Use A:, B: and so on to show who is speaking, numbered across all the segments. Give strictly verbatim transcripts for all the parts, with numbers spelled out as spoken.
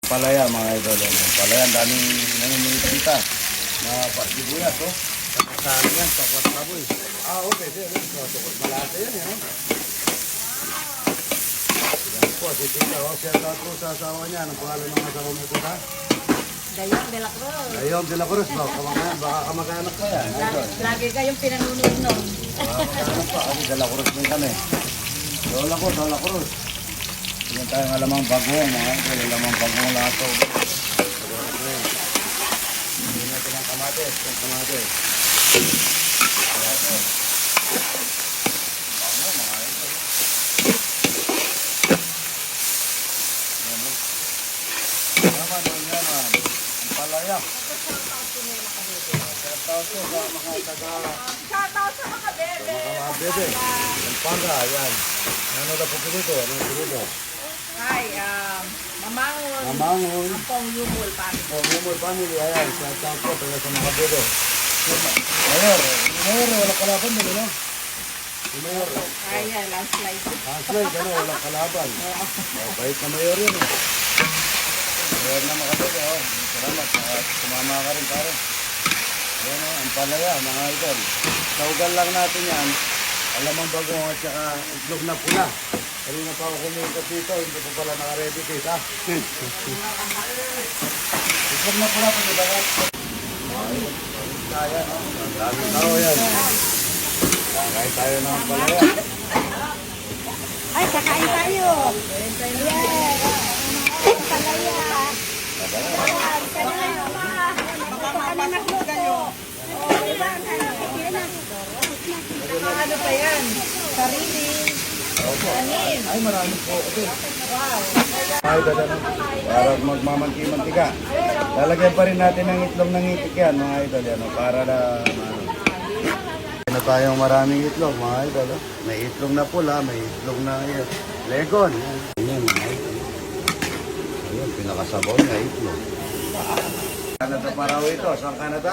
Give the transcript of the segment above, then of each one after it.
A: palaya mga idol. Ang palaya, ang daming nanginigita na pasibuyas, oh. Kasali yan, pakwat baboy. Ah, okay, sir. Tukot malasa yan, eh. Yan po, si Tita, oh. Shout out po sa asawa niya. Anong pangalan ng asawa mo, Tita?
B: Dayong de la Cruz.
A: Dayong de la Cruz, ba? Kamakayan, baka kamakayanak pa yan.
B: Lagi, lagi kayong pinanunog nun.
A: Baka kamakayanak pa. Kasi de la Cruz din kami. Lola ko, de la Cruz. Yan tayong alamang bagong, mga idol. Alamang bagong lato. Hindi natin ang kamates. Ang kamates. Kamates. Bango, mga idol. Yan, oh. Yaman, oh, yaman. Ang palaya. Shoutout po sa mga taga...
B: Shoutout sa mga bebe.
A: Mga mga bebe. Ang panga, yan. Ano na po dito? Ano po dito?
B: Hi, um, Mamangon.
A: Mamangon.
B: Ampong Yumul, pari.
A: Oh, Humol family, ayan. Shoutout po taga sa mga bebe. Mayor, Mayor, wala kalaban din, ano? Mayor.
B: Kaya, landslide.
A: Translate, ano, walang kalaban. Oh, bait na mayor yun, eh. Mayor na makabebe, oh. Salamat, at sumama ka rin, pare. Ayan, oh, ang palaya, mga idol. Saugal lang natin yan. Alamang bagong at saka itlog na pula. Kanina pa ako kuminta dito, hindi pa pala naka-ready case, ha? Itlog na pula, pwede ba yan? Kaya, no? Ang daming tao yan. Kakain tayo ng palaya.
B: Ay, kakain tayo. Yeah. Palaya. Ano pa yan? Sarili. Anin.
A: Ay, marami po. Okay. Ay, dadano. Para magmamanti-mantika. Lalagyan pa rin natin ng itlog ng itik yan, mga idol. Yan, oh, para na... Ano, na tayong maraming itlog, mga idol. Oh. May itlog na pula, may itlog na yan. Legon. Yan, yan, mga idol. Ayan, pinakasabaw na itlog. Canada pa raw ito. Saan Canada?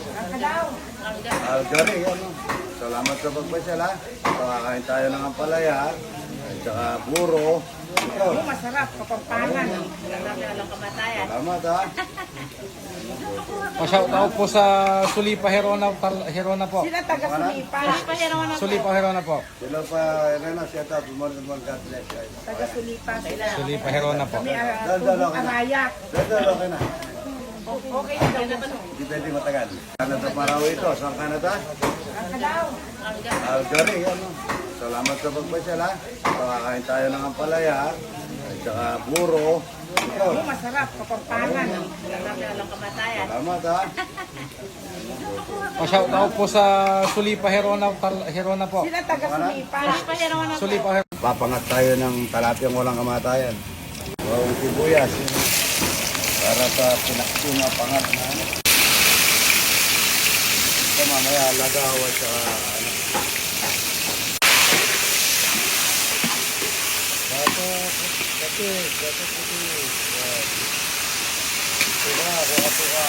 A: Calgary, yan, oh. Salamat sa pagpasyal, ha. Pakakain tayo ng ampalaya, at saka puro. Ito.
B: Masarap, kapampangan. Walang kamatayan.
A: Salamat, ha.
C: Pa-shoutout po sa Sulipa Herona, Herona po.
B: Sila taga-Sulipa.
C: Sulipa Herona po.
A: Sila pa, Rena, shout out. Good morning, good morning, God bless, guys.
B: Taga-Sulipa sila.
C: Sulipa Herona po.
B: Kami uh,
A: Dal-dal,
B: tubong
A: okay na.
B: arayak.
A: Dal-dal, okay na.
B: Okay na daw.
A: Hindi pwede matagal. Canada pa raw ito. Saan Canada?
B: Kakalaw.
A: Calgary, yan, oh. Salamat sa pagpasyal, ha. Pakakain tayo ng ampalaya, at saka puro. Ito.
B: Masarap, kapampangan. Walang kamatayan.
A: Salamat, ha.
C: Pa-shoutout po sa Sulipa Herona, Herona po.
B: Sila taga-Sulipa.
C: Sulipa Herona.
A: Papangat tayo ng talapyang walang kamatayan. Bawang sibuyas. Yun. Para sa pinakso na pangat na ano. Ito mamaya lagaw at saka ano. Dato, kati, dato puti. Yan. Tuka, kuka, tuka.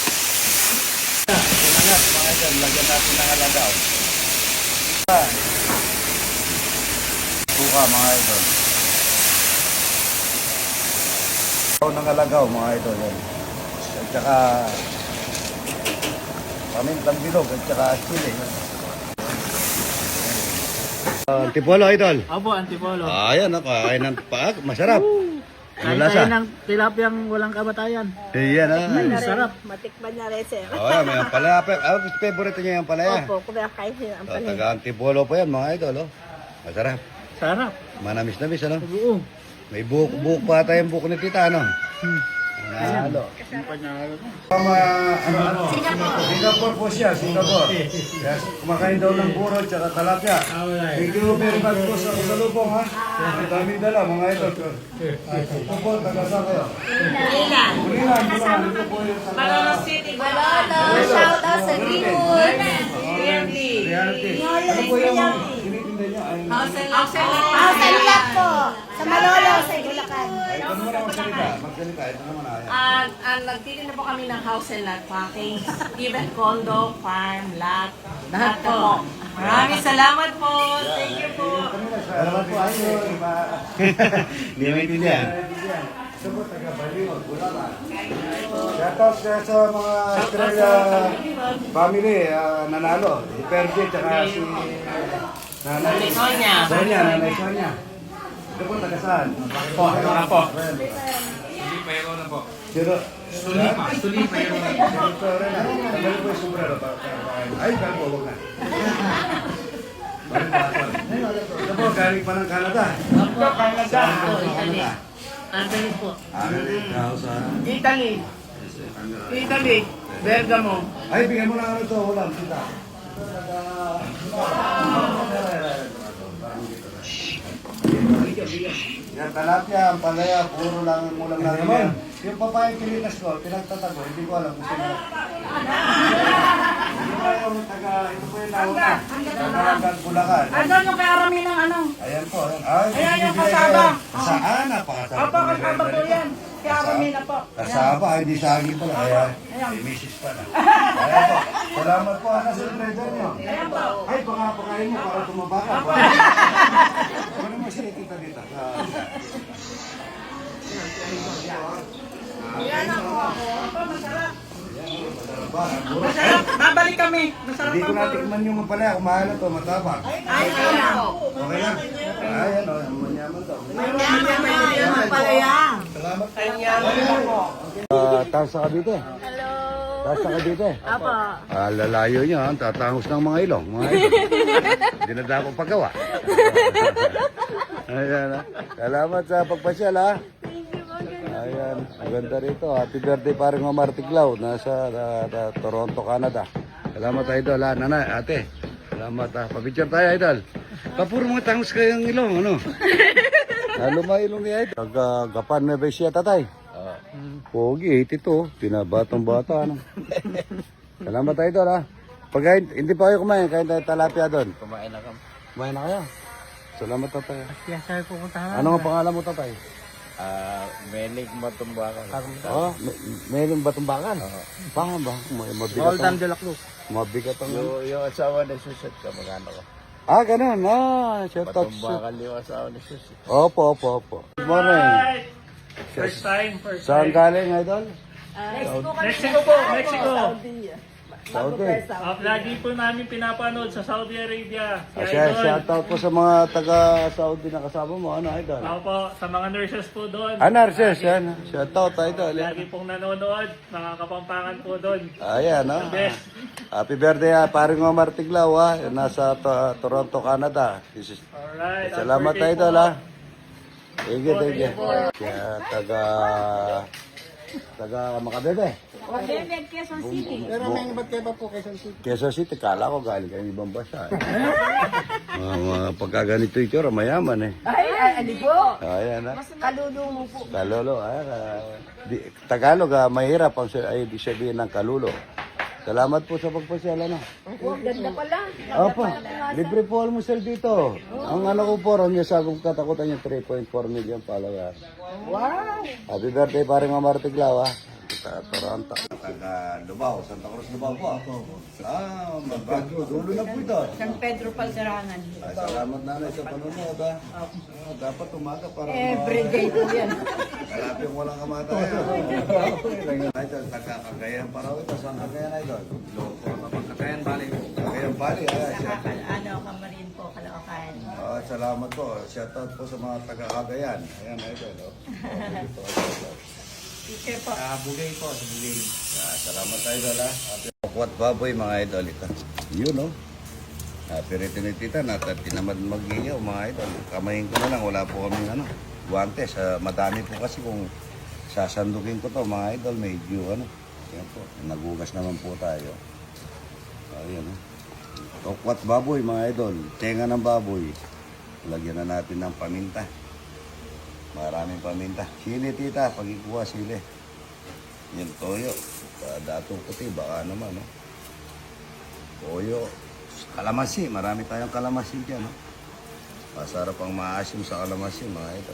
A: Pinangat mga dyan, lagyan natin ng alagaw. Tuka mga idol. Ng alagaw mga idol yan. At saka pamintang bilog at saka chili. Uh, Antipolo idol.
D: Abo, antipolo.
A: Ah, yan ako. Kain ng paak. Masarap. Ano
D: Kain
A: lasa?
D: tayo ng tilapiyang walang kamatayan.
A: Iyan ah.
D: Mm, sarap.
B: Matikman na rin, sir.
A: Oh, yan, may ampalaya. Ah, favorite niya yung ampalaya.
B: Opo, kumakain sila ang
A: So,
B: palay.
A: taga Antipolo po yan mga idol. Oh. Masarap.
D: Sarap.
A: Manamis-namis ano.
D: Oo.
A: May buhok, buhok pa tayong buhok ni tita ano.
D: Hmm.
A: Nalo.
D: Yung panalo.
A: Tama, ano, ano? Singapore. Singapore po siya, Singapore. Yes, kumakain daw ng buro at saka talapya. Thank you very much po sa kasalubong, ha? Ang daming dala, mga ito. Ito po, taga-saan kayo?
B: Bulilan.
A: Bulilan, bulilan. Ito po yung taga...
B: Malolo City. Malolo. Shout out sa Greenwood. Reality.
A: Reality. Ano po yung tinitinda niya? Ay,
B: House and Lot po. Sa Malolo, sa Bulacan.
A: ay, ito naman ang magsalita. Magsalita, ito naman ah.
E: Ah, ah, nagtitinda po kami ng house and lot package, even condo, farm, lot, lahat po. Maraming salamat po. Thank you po.
A: Salamat po, ayun. Hindi maintindihan. Ito po, taga Baliwag, Bulacan. Shoutout sa, sa mga Australia family, ah, nanalo. Si Perdi, tsaka si Nanay
E: Sonia.
A: Sonia, Nanay Sonia. Ito po, taga saan?
C: Po, wala po.
A: Sulipa,
C: Herona po.
A: Sino?
C: Sulipa, Sulipa Herona.
A: Ito rin na. Tagal po yung sombrero. Ay, kalbo, huwag na. Ito po, galing pa ng Canada.
E: Opo, Canada.
A: Saan po,
E: Italy.
A: Canada?
E: Italy po.
A: Ano rin? Sa...
E: Italy. Italy. Bergamo.
A: Ay, bigyan mo na ano ito, ulam, kita. Yan, talapia, ang palaya, puro lang ang ulam natin yan. Yung papayang pilitas ko, pinagtatago, hindi ko alam kung sino. Ito po yung taga, ito po yung nauna. Taga Bulacan.
E: Ano yung karami ng ano?
A: Ayan po, ayan. Ay,
E: Ayan yung
A: binibigay
E: kasaba.
A: kayo. Saan? Napakasarap.
E: Opo, kasama po yan. Karami na po.
A: Kasaba, hindi saging pala. Kaya, may misis pa na. Ayan po. Salamat po, anak sa trader nyo.
E: Ayan po.
A: Ay, baka pakain mo para tumaba ka. Ano mo siya kita dito?
E: Yan ako. Opo, masarap.
A: Masarap.
E: Masarap. Babalik kami. Masarap
A: Hindi ko
E: ang
A: natikman yung mapalaya. Kumain na to, matapang.
E: Ay, kaya.
A: Okay lang. Ayan o, manyaman to.
E: Manyaman pala yan.
A: Salamat.
E: Manyaman ako.
A: Uh, Taas sa Cavite.
B: Hello.
A: Taas sa Cavite.
B: Apo.
A: Ah, lalayo niya, ah. Tatangos ng mga ilong. Mga ilong. Hindi na dapat paggawa. Ayan, ah. Salamat sa pagpasyal, ha. Ayan, maganda rito. Happy birthday paring Omar Tiglao. Nasa ah, ah, Toronto, Canada. Salamat, idol, ha. Nanay, ate. Salamat, ha. Papicture tayo, idol. Kapuro mga tangos kayong ilong, ano? Lalo mga ilong ni idol. Kagapan na ba siya, tatay? Pogi, eighty-two. Pinabatang bata, ano? Salamat, idol, ha. Pag hindi pa kayo kumain, kain tayo talapia doon.
C: Kumain na kami.
A: Kumain na kayo. Salamat, tatay.
D: Kaya sabi pupuntahan.
A: Ano ang pangalan mo, tatay?
C: Ah, Menig Matumbakan.
A: Oh, may, mayroong batumbakan. Paano ba? May mabigat
D: Golden
A: ang,
D: de la Cruz.
A: mabigat ang...
C: Yung, yung asawa ni Susit, kamagano ko.
A: Ah, ganun. Ah, shout out.
C: Matumbakan yung asawa ni Susit.
A: Opo, opo, opo. Good morning.
D: First time, first
A: Saan galing, idol?
D: Mexico po, Mexico.
A: Saudi.
D: Uh, lagi po namin pinapanood sa Saudi Arabia.
A: Ah,
D: Si
A: siya,
D: Idol.
A: shout out po sa mga taga-Saudi na kasama mo. Ano, idol?
D: Ako po, sa mga nurses po doon.
A: Ah, nurses, yan. Shout out, idol. Yan.
D: Lagi pong nanonood, mga kapampangan po doon.
A: Ayan, no?
D: Best.
A: Happy birthday, ha. Paring Omar Tiglao, ha. Nasa to- Toronto, Canada. This is-
D: Alright.
A: Salamat,
D: happy birthday
A: idol,
D: po.
A: ha. Thank you, thank you. Kaya taga... Taga Makabebe.
B: Bebek, Quezon City.
A: Pero may ba't kayo ba po Quezon City? Quezon City, kala ko galing kayo ibang bansa. Eh. mga, mga pagkaganito yung tsura, mayaman eh.
B: Ay, ay, ali po.
A: Ayan ha.
B: Kalulo mo po.
A: Kalolo, ayan. ah, di, Tagalog, ah, mahirap ang sa- ay di sabihin ng kalulo. Salamat po sa pagpasyal, ano?
B: Oh, ganda pala.
A: Opo, libre po almusal dito. Ang ano ko po, ron niya sa akong katakutan yung three point four million followers.
B: Wow.
A: Happy birthday, paring Omar Tiglao, ha? Sa Toronto. Taga Lubao, Santa Cruz, Lubao po. Ah, magbago. Dulo na po ito.
B: San Pedro Palserangan.
A: Ay, salamat nanay sa panonood, ha? Ah, dapat umaga para...
B: Everyday po yan.
A: Malapit yung walang kamatayan. Ay, ito, taga Cagayan pa raw ito. Saan Cagayan, idol?
C: Kakayan bali.
A: Cagayan Bali, ay. siya-
B: Ano, Kamarin po, Caloocan.
A: Ah, salamat po. Shoutout po sa mga taga Cagayan. Ayan, idol. Oh. Ito, idol.
B: Teacher po.
C: Ah, Bugay po, sa Bugay.
A: Ah, salamat idol ha. Kukwat baboy mga idol ito. Yun no. Happy rito ni tita na tinamad mag-iyaw mga idol. Kamayin ko na lang, wala po kaming ano, guantes. Uh, madami po kasi kung sasandukin ko to mga idol, medyo ano. Yan po, nagugas naman po tayo. Ayan no. Kukwat baboy mga idol. Tenga ng baboy. Lagyan na natin ng paminta. Maraming paminta. Sili tita, pag ikuha sili. Yan toyo. Datong puti, baka naman, no? Toyo. Kalamansi, marami tayong kalamansi dyan, no? Masarap ang maasim sa kalamansi, mga ito.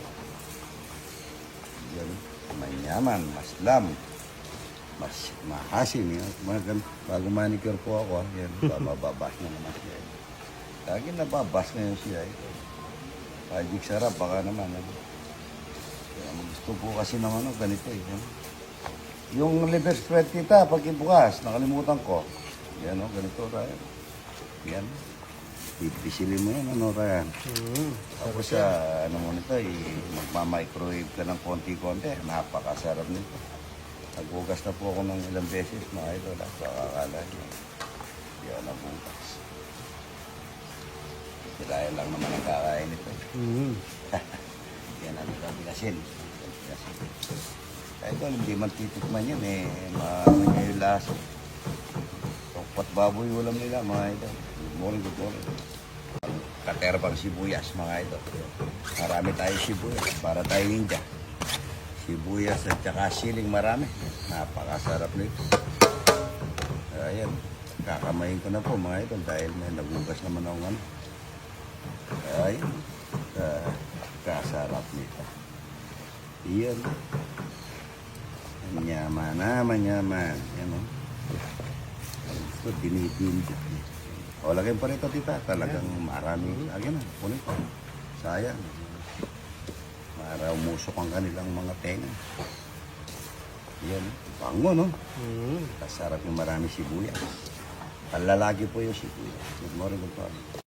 A: Yan, manyaman, maslam. Mas mahasim, yan. Mga, bago manicure po ako, ha? Yan, bababas na naman siya. Lagi nababas na yun siya, ito. Magic sarap, baka naman, ano? Yan, gusto po kasi ng ano, ganito eh. Yan. Yung liver spread kita, pag ibukas, nakalimutan ko. Yan o, ganito tayo. Yan. Pipisilin mo yan, ano Ryan. Tapos sa, ano mo nito, eh, magmamicrowave ka ng konti-konti. Napakasarap nito. Nagbukas na po ako ng ilang beses, mga idol. At pakakala nyo. Yan ang bukas. Dahil lang naman ang kakain nito. Yan ang kabilasin. Kahit ito, hindi man titikman yan eh. Maano niya yung lasa. Tokpat baboy ulam nila mga ito. Good morning, good morning. Katera pang sibuyas mga ito. Marami tayo sibuyas para tayo ninja. Sibuyas at saka siling marami. Napakasarap nito. Ayan. Kakamayin ko na po mga ito dahil may nagugas naman ako ano. Ay, uh, kasarap nito. Iyan. Manyaman na, manyaman. Yan o. Ito, dinipindot. O, lagyan pa rito, tita. Talagang marami. Lagyan na, kunin ko. Sayang. Para umusok ang kanilang mga tenga. Yan. Bango, no? Kasarap yung marami sibuyas. Palalagi po yung sibuyas. Good morning, good morning.